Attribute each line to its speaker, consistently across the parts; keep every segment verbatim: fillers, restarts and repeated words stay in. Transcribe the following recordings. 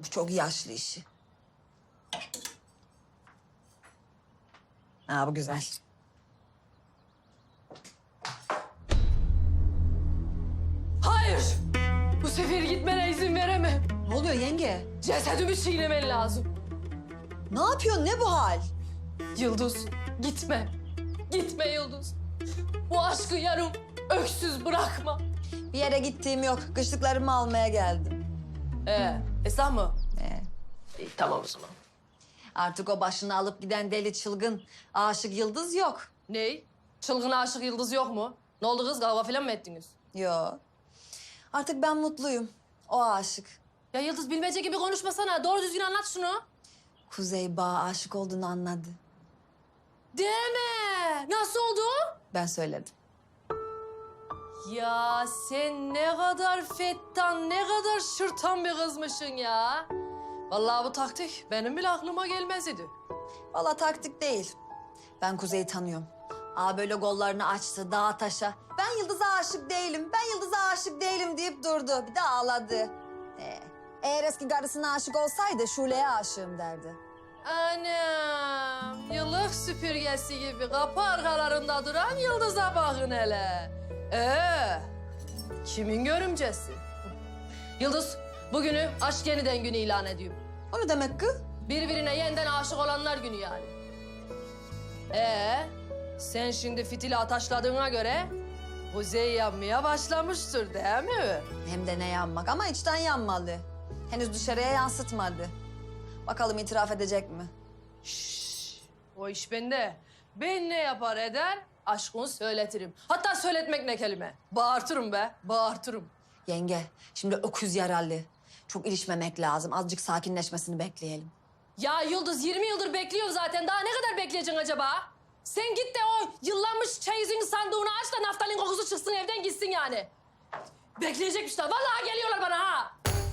Speaker 1: Bu çok yaşlı işi. Ha, bu güzel.
Speaker 2: Hayır! Bu sefer gitmene izin veremem.
Speaker 1: Ne oluyor yenge?
Speaker 2: Cesedimi çiğnemen lazım.
Speaker 1: Ne yapıyorsun? Ne bu hal?
Speaker 2: Yıldız, gitme. Gitme Yıldız. Bu aşkı yarım öksüz bırakma.
Speaker 1: Bir yere gittiğim yok. Kışlıklarımı almaya geldim.
Speaker 2: Ee, Esra mı?
Speaker 1: Ee,
Speaker 2: İyi, tamam o zaman.
Speaker 1: artık o başını alıp giden deli çılgın aşık Yıldız yok.
Speaker 2: Ney? Çılgın aşık Yıldız yok mu? Ne oldu kız? Kavga falan mı ettiniz?
Speaker 1: Yok. Artık ben mutluyum. O aşık.
Speaker 2: Ya Yıldız bilmece gibi konuşmasana. Doğru düzgün anlat şunu.
Speaker 1: Kuzey Bağ'a aşık olduğunu anladı.
Speaker 2: Deme. Nasıl oldu?
Speaker 1: Ben söyledim.
Speaker 2: Ya sen ne kadar fettan, ne kadar şırtan bir kızmışsın ya. Vallahi bu taktik benim bile aklıma gelmez idi.
Speaker 1: Vallahi taktik değil. Ben Kuzey'i tanıyorum. Aa böyle gollarını açtı dağa taşa. Ben Yıldız'a aşık değilim, ben Yıldız'a aşık değilim deyip durdu. Bir de ağladı. Ee, eğer eski karısına aşık olsaydı Şule'ye aşığım derdi.
Speaker 2: Anam, yıllık süpürgesi gibi kapı arkalarında duran Yıldız'a bakın hele. Ee, kimin görümcesi? Yıldız, bugünü aşk yeniden günü ilan ediyorum.
Speaker 1: O ne demek kız?
Speaker 2: Birbirine yeniden aşık olanlar günü yani. Ee, sen şimdi fitili ataşladığına göre Kuzey yanmaya başlamıştır değil mi?
Speaker 1: Hem de ne yanmak ama içten yanmalı. Henüz dışarıya yansıtmadı. Bakalım itiraf edecek mi?
Speaker 2: Şşş, o iş bende. Ben ne yapar eder, aşkını söyletirim. Hatta söyletmek ne kelime. Bağırtırım be, bağırtırım.
Speaker 1: Yenge, şimdi öküz yaralı. Çok ilişmemek lazım. Azıcık sakinleşmesini bekleyelim.
Speaker 2: Ya Yıldız, yirmi yıldır bekliyorum zaten. Daha ne kadar bekleyeceksin acaba? Sen git de o yıllanmış çeyizin sandığını aç da naftalin kokusu çıksın, evden gitsin yani. Bekleyecekmişler. Vallahi geliyorlar bana ha.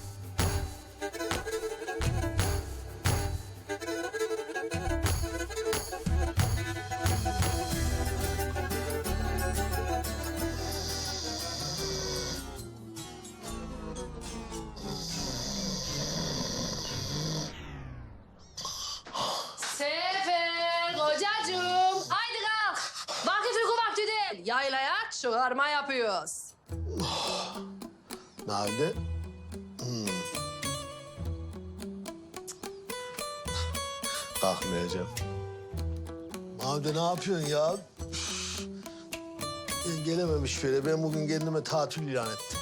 Speaker 2: Sefer, kocacığım. Haydi kalk. Vakit uyku vakti değil. Yaylaya çıkarma yapıyoruz.
Speaker 3: Nerede? Hmm. Kalkmayacağım. Abi ne yapıyorsun ya? Üf. Ben gelememiş şöyle. Ben bugün kendime tatil ilan ettim.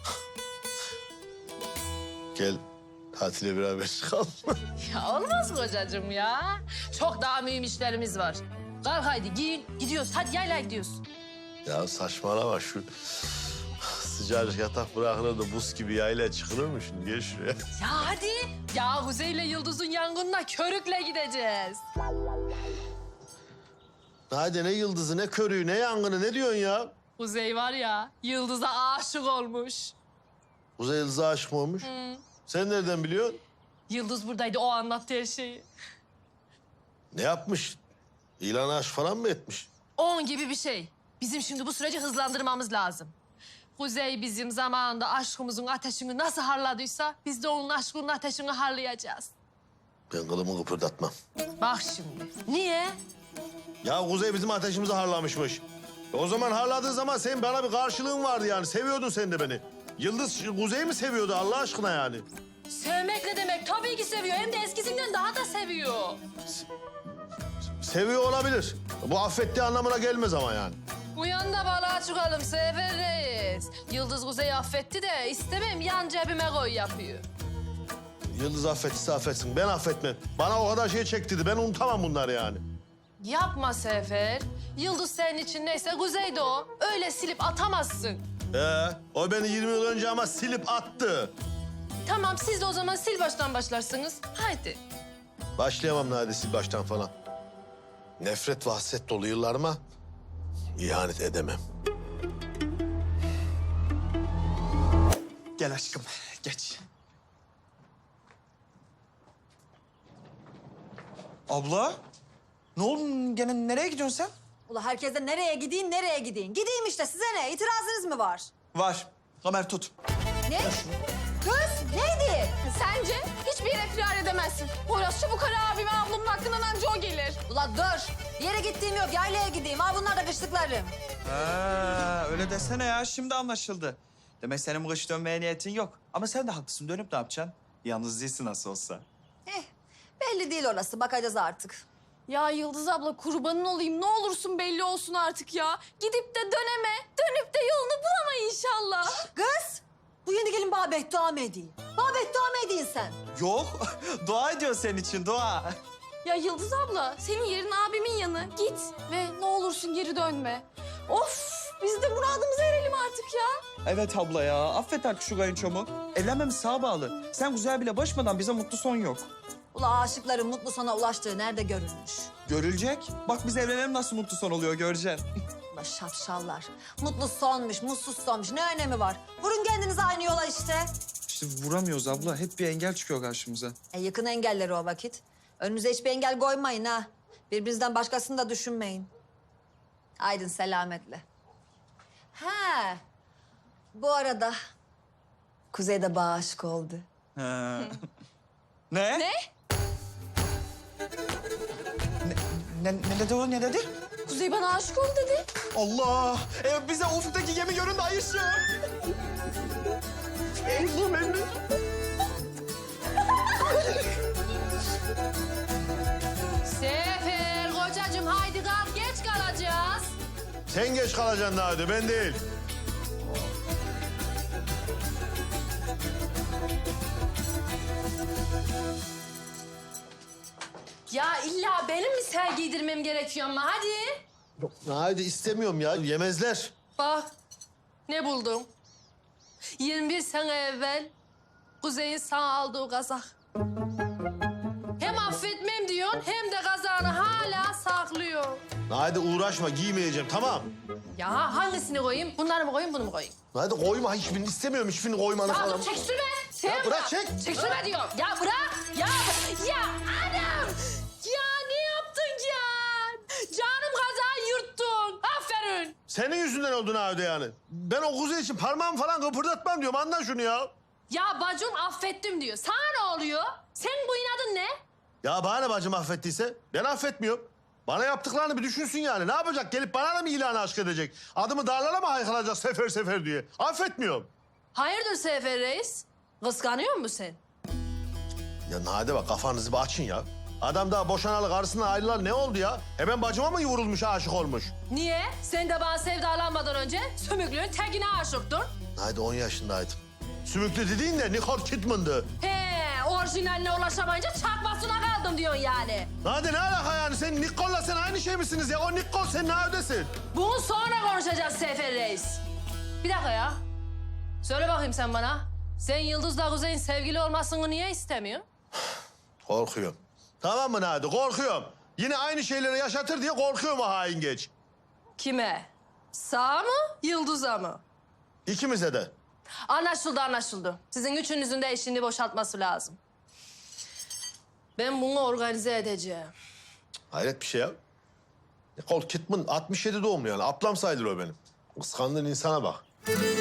Speaker 3: Gel tatile beraber çıkalım.
Speaker 2: Ya olmaz kocacığım ya. Çok daha mühim işlerimiz var. Kalk haydi giyin. Gidiyoruz. Hadi yaylaya gidiyoruz.
Speaker 3: Ya saçmalama şu sıcacık yatak bırakılır da buz gibi yaylaya çıkılır mı şimdi? Gel şuraya.
Speaker 2: Ya hadi. Ya Kuzey'le Yıldız'ın yangınına körükle gideceğiz.
Speaker 3: Hadi ne yıldızı, ne körüğü, ne yangını, ne diyorsun ya?
Speaker 2: Kuzey var ya, Yıldız'a aşık olmuş.
Speaker 3: Uzay yıldızı aşık mı olmuş?
Speaker 2: Hı.
Speaker 3: Sen nereden biliyorsun?
Speaker 2: Yıldız buradaydı, o anlattı her şeyi.
Speaker 3: Ne yapmış? İlan aşk falan mı etmiş?
Speaker 2: On gibi bir şey. Bizim şimdi bu süreci hızlandırmamız lazım. Kuzey bizim zamanında aşkımızın ateşini nasıl harladıysa... ...biz de onun aşkının ateşini harlayacağız.
Speaker 3: Ben kılımı kıpırdatmam.
Speaker 2: Bak şimdi. Niye?
Speaker 3: Ya Kuzey bizim ateşimizi harlamışmış. E o zaman harladığı zaman senin bana bir karşılığın vardı yani. Seviyordun sen de beni. Yıldız Kuzey'i mi seviyordu Allah aşkına yani?
Speaker 2: Sevmek ne demek? Tabii ki seviyor. Hem de eskisinden daha da seviyor.
Speaker 3: Seviyor olabilir. Bu affettiği anlamına gelmez ama yani.
Speaker 2: Uyan da balığa çıkalım Sefer Reis. Yıldız Kuzey'i affetti de istemem yan cebime koy yapıyor.
Speaker 3: Yıldız affettiyse affetsin. Ben affetmem. Bana o kadar şey çektirdi. Ben unutamam bunları yani.
Speaker 2: Yapma Sefer. Yıldız senin için neyse Kuzey de o. Öyle silip atamazsın.
Speaker 3: Ee, o beni yirmi yıl önce ama silip attı.
Speaker 2: Tamam siz de o zaman sil baştan başlarsınız. Haydi.
Speaker 3: Başlayamam neredeyse baştan falan. Nefret ve hasret dolu yıllarıma ihanet edemem.
Speaker 4: Gel aşkım, geç. Abla, ne oldu? Gene nereye gidiyorsun sen?
Speaker 1: Ula herkes de nereye gideyim, nereye gideyim? Gideyim işte size ne? İtirazınız mı var?
Speaker 4: Var. Kamer tut.
Speaker 1: Ne? Kız neydi?
Speaker 5: Sence hiçbir yere firar edemezsin. Poyraz çabuk ara abime, ablamın hakkından anca o gelir.
Speaker 1: Ulan dur. Bir yere gittiğim yok. Yaylaya gideyim. Ha bunlar da kışlıklarım.
Speaker 4: Ha, öyle desene ya. Şimdi anlaşıldı. Demek senin bu kış dönmeye niyetin yok. Ama sen de haklısın. Dönüp ne yapacaksın? Yalnız değilsin nasıl olsa.
Speaker 1: Eh, belli değil orası. Bakacağız artık.
Speaker 5: Ya Yıldız abla kurbanın olayım, ne olursun belli olsun artık ya. Gidip de döneme, dönüp de yolunu bulama inşallah.
Speaker 1: Kız, bu yeni gelin bana beddua mı edeyim? Bana beddua mı edeyim sen?
Speaker 4: Yok. Dua ediyor senin için. Dua.
Speaker 5: Ya Yıldız abla, senin yerin abimin yanı. Git ve ne olursun geri dönme. Of, biz de muradımıza erelim artık ya.
Speaker 4: Evet abla ya. Affet artık şu kayınçomu. Evlenmemiz sağa bağlı. Sen güzel bile başmadan bize mutlu son yok.
Speaker 1: Ula aşıkların mutlu sona ulaştığı nerede görülmüş?
Speaker 4: Görülecek. Bak biz evlenelim nasıl mutlu son oluyor göreceksin.
Speaker 1: Ula şapşallar. Mutlu sonmuş, mutsuz sonmuş. Ne önemi var? Vurun kendinizi aynı yola işte.
Speaker 4: İşte vuramıyoruz abla. Hep bir engel çıkıyor karşımıza.
Speaker 1: E, yakın engelleri o vakit. Önünüze hiçbir engel koymayın ha. Birbirinizden başkasını da düşünmeyin. Aydın selametle. Ha. Bu arada Kuzey de bana aşık oldu.
Speaker 4: Ha. Ne?
Speaker 5: Ne?
Speaker 4: Ne, ne dedi o? Ne dedi?
Speaker 5: Kuzey bana aşık oldu dedi.
Speaker 4: Allah! E, bize ufuktaki gemi göründü Ayşe. Allah'ım emmi.
Speaker 2: Sefer kocacığım haydi kalk geç kalacağız.
Speaker 3: Sen geç kalacaksın Nade, ben değil.
Speaker 2: Ya illa benim mi ser giydirmem gerekiyor ama hadi.
Speaker 3: Nade istemiyorum ya, yemezler.
Speaker 2: Bak ne buldum. yirmi bir sene evvel Kuzey'in sana aldığı kazak. Hem affetmem diyorsun hem de kazağını hala saklıyor.
Speaker 3: Nade uğraşma, giymeyeceğim, tamam.
Speaker 2: Ya hangisini koyayım? Bunları mı koyayım, bunu mu koyayım?
Speaker 3: Nade koyma, hiçbirini istemiyorum, hiçbirini koymanı
Speaker 2: Ya
Speaker 3: falan.
Speaker 2: dur çekiştirme. Sen
Speaker 3: Ya bırak, çek.
Speaker 2: Çekiştirme diyorum. Ya bırak. Ya, ya anam. Ya ne yaptın Can? Canım kazağı yırttın. Aferin.
Speaker 3: Senin yüzünden oldu Nade yani. Ben o Kuzey için parmağımı falan kıpırdatmam diyorum, anla şunu ya.
Speaker 2: Ya bacım affettim diyor. Sana ne oluyor? Senin bu inadın ne?
Speaker 3: Ya bana ne bacım affettiyse? Ben affetmiyorum. Bana yaptıklarını bir düşünsün yani. Ne yapacak? Gelip bana da mı ilanı aşk edecek? Adımı dağlara mı haykıracak sefer sefer diye? Affetmiyorum.
Speaker 2: Hayırdır Sefer Reis? Kıskanıyor musun sen?
Speaker 3: Ya Nade bak, kafanızı bir açın ya. Adam daha boşanalı karısından ayrılan ne oldu ya? Hemen bacıma mı vurulmuş, aşık olmuş?
Speaker 2: Niye? Sen de bana sevdalanmadan önce sümüklüğün tekine aşıktın.
Speaker 3: Nade on yaşındaydım. Sümüklü dediğin de Nicole Kidman'dı.
Speaker 2: He, orijinaline ulaşamayınca çakmasına kaldım diyorsun yani.
Speaker 3: Nade ne alaka yani? Sen Nicole'la sen aynı şey misiniz ya? O Nicole, sen neredesin?
Speaker 2: Bunu sonra konuşacağız Sefer Reis. Bir dakika ya. Söyle bakayım sen bana. Sen Yıldız'la Kuzey'in sevgili olmasını niye istemiyorsun?
Speaker 3: Korkuyorum. Tamam mı Nade? Korkuyorum. Yine aynı şeyleri yaşatır diye korkuyorum o hain geç.
Speaker 2: Kime? Sağ mı, Yıldız'a mı?
Speaker 3: İkimize de.
Speaker 2: Anlaşıldı, anlaşıldı. Sizin üçünüzün de eşini boşaltması lazım. Ben bunu organize edeceğim.
Speaker 3: Hayret bir şey ya. Nicole Kidman altmış yedi doğumlu yani. Ablam sayılır o benim. Kıskandığın insana bak.